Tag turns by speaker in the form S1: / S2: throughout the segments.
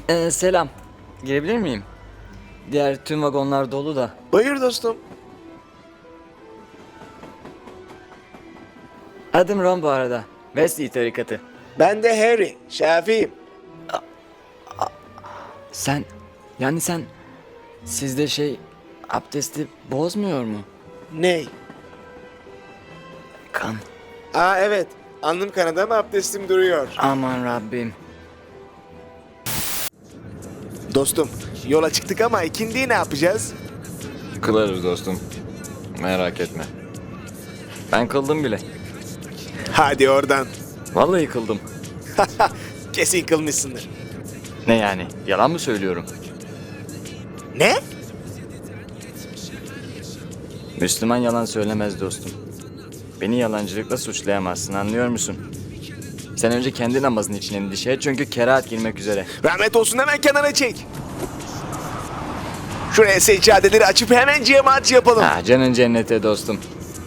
S1: Selam. Girebilir miyim? Diğer tüm vagonlar dolu da.
S2: Buyur dostum.
S1: Adım Ron bu arada. Wesley tarikatı.
S2: Ben de Harry, Şafi'yim.
S1: Sen sizde abdesti bozmuyor mu?
S2: Ney?
S1: Kan.
S2: Aa evet, alnım kanadı ama abdestim duruyor.
S1: Aman Rabbim.
S2: Dostum, yola çıktık ama ikindiyi ne yapacağız?
S1: Kılarız dostum. Merak etme. Ben kıldım bile.
S2: Hadi oradan.
S1: Vallahi kıldım.
S2: Kesin kılmışsındır.
S1: Ne yani? Yalan mı söylüyorum?
S2: Ne?
S1: Müslüman yalan söylemez dostum. Beni yalancılıkla suçlayamazsın, anlıyor musun? Sen önce kendi namazın için endişe et çünkü kerahat girmek üzere.
S2: Rahmet olsun, hemen kenara çek. Şuraya seccadeleri açıp hemen cemaat yapalım.
S1: Canın cennete dostum.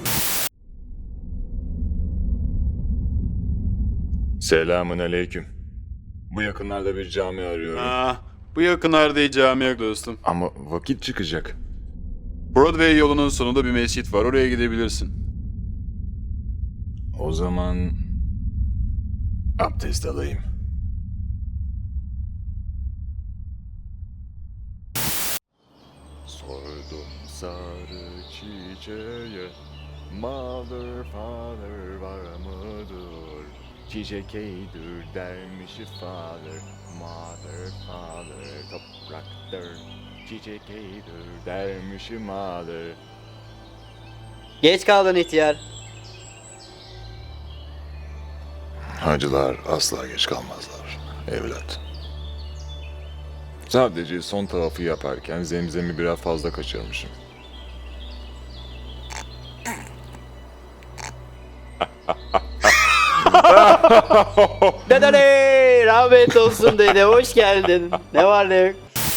S3: Selamun aleyküm. Bu yakınlarda bir cami arıyorum.
S4: Bu yakınlarda hiç cami yok dostum.
S3: Ama vakit çıkacak.
S4: Broadway yolunun sonunda bir mescit var. Oraya gidebilirsin.
S3: O zaman abdest alayım. Sordum sarı çiçeğe, mother father var mıdır? Çiçek eydir dermiş father, mother father topraktır. Çiçek eydir dermiş mother.
S5: Geç kaldın ihtiyar.
S3: Hacılar asla geç kalmazlar evlat. Sadece son tavafı yaparken zemzemi biraz fazla kaçırmışım.
S5: Dedene rahmet olsun dede, hoş geldin. Ne var ne yok?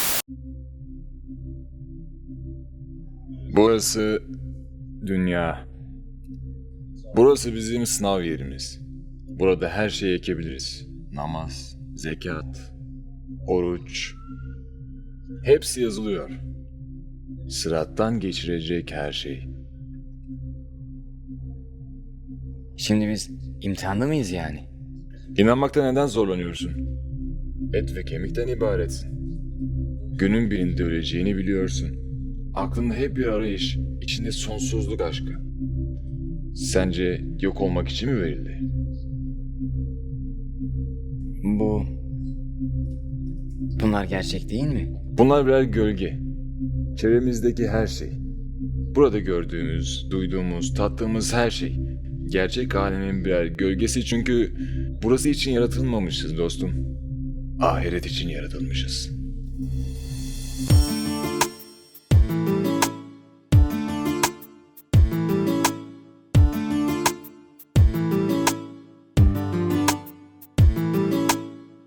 S3: Burası dünya. Burası bizim sınav yerimiz. Burada her şeyi ekebiliriz. Namaz, zekat, oruç. Hepsi yazılıyor. Sırattan geçirecek her şey.
S1: Şimdi biz imtihanda mıyız yani?
S3: İnanmakta neden zorlanıyorsun? Et ve kemikten ibaretsin. Günün birinde öleceğini biliyorsun. Aklında hep bir arayış, içinde sonsuzluk aşkı. Sence yok olmak için mi verildi?
S1: Bunlar gerçek değil mi?
S3: Bunlar birer gölge. Çevremizdeki her şey. Burada gördüğümüz, duyduğumuz, tattığımız her şey. Gerçek alemin birer gölgesi çünkü burası için yaratılmamışız dostum. Ahiret için yaratılmışız.